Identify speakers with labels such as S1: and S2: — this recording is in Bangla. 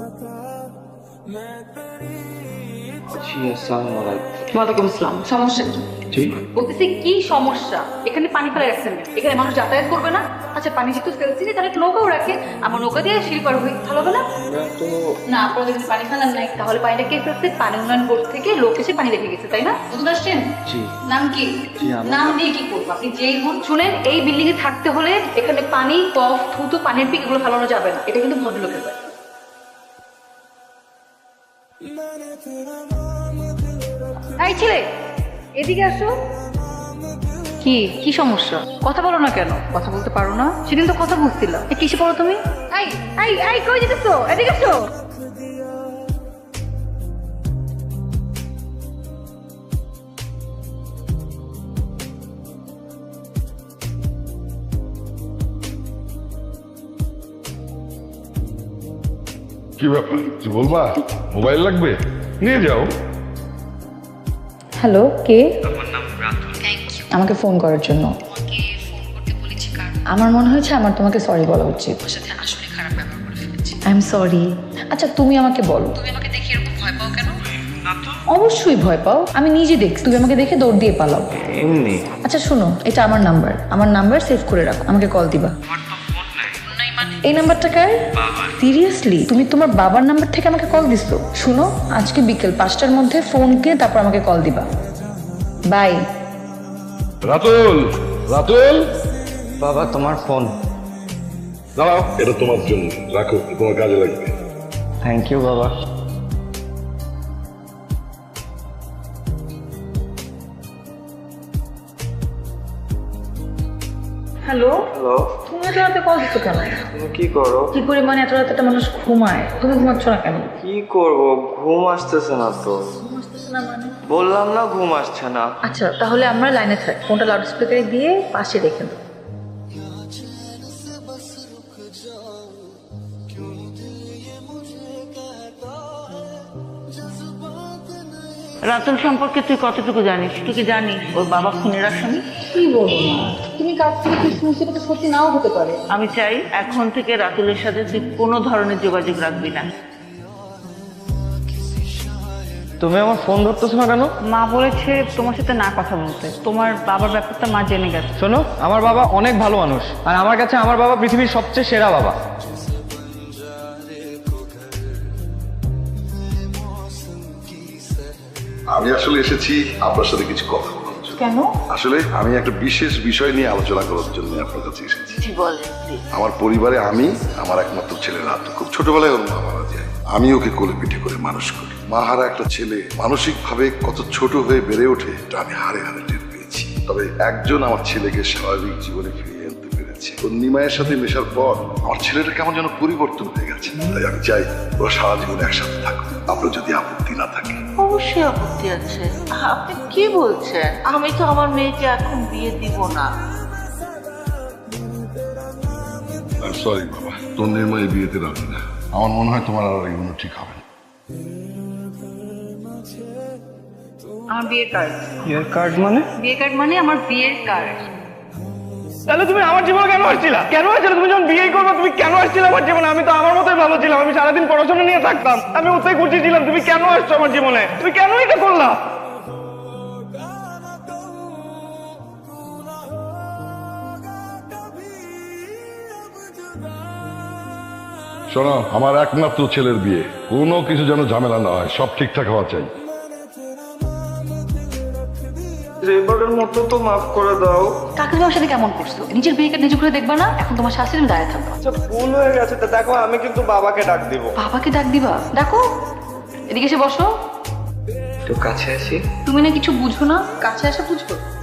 S1: জি আসসালামু আলাইকুম।
S2: ওয়ালাইকুম আসসালাম। সমস্যা কি?
S1: জি
S2: বলতেছি কি সমস্যা? এখানে পানি ফেলে রাখছেন, এখানে মানুষ যাতায়াত করবে না? আচ্ছা পানি যেহেতু ফেলছি তাহলে একটা নৌকাও রাখে, আমার নৌকা দিয়ে শিল পার হই, ভালো হবে না?
S1: না তো
S2: না আপনারা যদি পানি ফেলান নাই তাহলে পানিটা কে ফেলছে? পানি উন্নয়ন বোর্ড থেকে লোক এসে পানি রেখে গেছে, তাই না? বুঝতে পারছেন?
S1: জি
S2: নাম কি?
S1: জি, আমার
S2: নাম দিয়ে কি করবো? আপনি যেই হন, শুনেন এই বিল্ডিং এ থাকতে হলে এখানে পানি, কফ, থুতু, পানির পিক এগুলো ফেলানো যাবে না, এটা কিন্তু ভদ্রলোকের ব্যাপার। এই ছেলে এদিকে আসো। কি কি সমস্যা? কথা বলো না কেন? কথা বলতে পারো না? সেদিন তো কথা বলছিল, কিসে পড়ো তুমি? এই এই এই কই যেতেছো? এদিকে আসো।
S3: কি ব্যাপার কিছু বলবা? মোবাইল লাগবে? নিয়ে যাও।
S4: হ্যালো, কে?
S5: আমার নাম রাতুল।
S4: আমাকে ফোন করার জন্য।
S5: তোমাকে ফোন করতে বলেছি কারণ
S4: আমার মনে হয়েছে আমার তোমাকে সরি বলা উচিত।
S5: তোমার সাথে আসলে খারাপ ব্যবহার করে ফেলেছি।
S4: I am sorry. আচ্ছা তুমি আমাকে বলো,
S5: তুমি আমাকে দেখে এরকম ভয় পাও কেন? না তো।
S4: অবশ্যই ভয় পাও, আমি নিজে দেখছি তুমি আমাকে দেখে দৌড় দিয়ে পালাও।
S1: এমনি।
S4: আচ্ছা শোনো, এটা আমার নাম্বার সেভ করে রাখো, আমাকে কল দিবা।
S5: আমার তো ফোন নাই। ফোন নাই মানে?
S4: এই নাম্বারটা কার?
S5: বাবার।
S4: সিরিয়াসলি তুমি তোমার বাবার নাম্বার থেকে আমাকে কল দিছো? শুনো, আজকে বিকেল 5টার মধ্যে ফোন কিনে তারপর আমাকে কল দিবা। বাই।
S3: রাতুল, রাতুল,
S1: বাবা তোমার ফোন।
S3: দাঁড়াও, এটা তোমার জন্য রাখো, তোমার কাজে লাগবে।
S1: থ্যাংক ইউ বাবা।
S4: হ্যালো,
S1: হ্যালো,
S4: তুমি এত রাতে কল দিছো কেন?
S1: তুমি কি করো?
S4: কি পরিমাণে এত রাতে একটা মানুষ ঘুমায়, তুমি ঘুমাচ্ছ না কেন?
S1: কি করব, ঘুম আসতেছে না তো। বললাম না ঘুম আসছে না।
S4: আচ্ছা তাহলে আমরা লাইনে থাক, ফোনটা লাউড স্পিকারে দিয়ে পাশে রেখে দাও।
S6: রাতুল সম্পর্কে তুই কতটুকু জানিস? তুই কি জানিস ওর বাবা খুনের আসামি?
S2: কি বলবো না, তুমি কাছ থেকে কি শুনছি এটা তো সত্যি নাও হতে পারে।
S6: আমি চাই এখন থেকে রাতুলের সাথে তুই কোনো ধরনের যোগাযোগ রাখবি না।
S1: তুমি আমার ফোন ধরতেছো না কেন?
S6: মা বলেছে তোমার সাথে না কথা বলতে, তোমার বাবার ব্যাপারটা মা জেনে গেছে।
S1: শোনো, আমার বাবা অনেক ভালো মানুষ, আর আমার কাছে আমার বাবা পৃথিবীর সবচেয়ে সেরা বাবা।
S3: আমি আসলে এসেছি আপনার সাথে কিছু কথা বলার জন্য।
S2: কেন?
S3: আসলে আমি একটা বিশেষ বিষয় নিয়ে আলোচনা করার জন্য আপনার কাছে এসেছি।
S6: কি বলেন প্লিজ?
S3: আমার পরিবারে আমি, আমার একমাত্র ছেলে রাতু, খুব ছোটবেলায় ওর মা মারা যায়। আমি ওকে কোলে পিঠে করে মানুষ করি। মাহারা একটা ছেলে মানসিকভাবে কত ছোট হয়ে বেড়ে ওঠে এটা আমি হাড়ে হাড়ে টের পেয়েছি। তবে একজন আমার ছেলেকে স্বাভাবিক জীবনে ফিরিয়ে আনতে পেরেছে। ওর নিমায়ের সাথে মেশার পর আমার ছেলেটা কেমন যেন পরিবর্তন হয়ে গেছে। তাই আমি চাই ওরা সারা জীবন একসাথে থাকুক, আপনার যদি আপত্তি না থাকে।
S6: অবশ্যই আপত্তি আছে। আপনি কি বলছেন? আমি তো আমার মেয়েকে এখন বিয়ে দিব না।
S3: সরি বাবা, তোর নির্ময় বিয়েতে রাজি না। আমার মনে হয় তোমার আর এগুলো ঠিক হবে না।
S2: আমার বিয়ের কার্ড।
S1: বিয়ের কার্ড মানে?
S2: বিয়ের কার্ড মানে আমার বিয়ের কার্ড।
S7: তাহলে তুমি আমার জীবনে কেন আসছিলা? কেন আসছিলে? তুমি যখন বিয়ে করবে তুমি কেন আসছিলে আমার জীবনে? আমি তো আমার মতোই ভালো ছিলাম, আমি সারাদিন পড়াশোনা নিয়ে থাকতাম, আমি ওতেই খুশি ছিলাম। তুমি কেন আসছো আমার জীবনে? তুমি কেন এটা করলা?
S3: শোনো, আমার একমাত্র ছেলের বিয়ে, কোনো কিছু যেন ঝামেলা না হয়, সব ঠিকঠাক হওয়া চাই।
S1: এবারের মতো তো মাফ করে দাও।
S2: কাকে তোমার সাথে কেমন করছো? নিজের বিয়ে কার্ড নিজে করে দেখবা না? এখন তোমার শাস্তি তুমি দাঁড়িয়ে থাকবা।
S7: আচ্ছা ভুল হয়ে গেছে, তো দেখো আমি কিন্তু বাবাকে ডাক দিব।
S2: বাবাকে ডাক দিবা? ডাকো, এদিকে এসে বসো।
S1: একটু কাছে আসি।
S2: তুমি না কিছু বুঝো না, কাছে আসা বুঝো।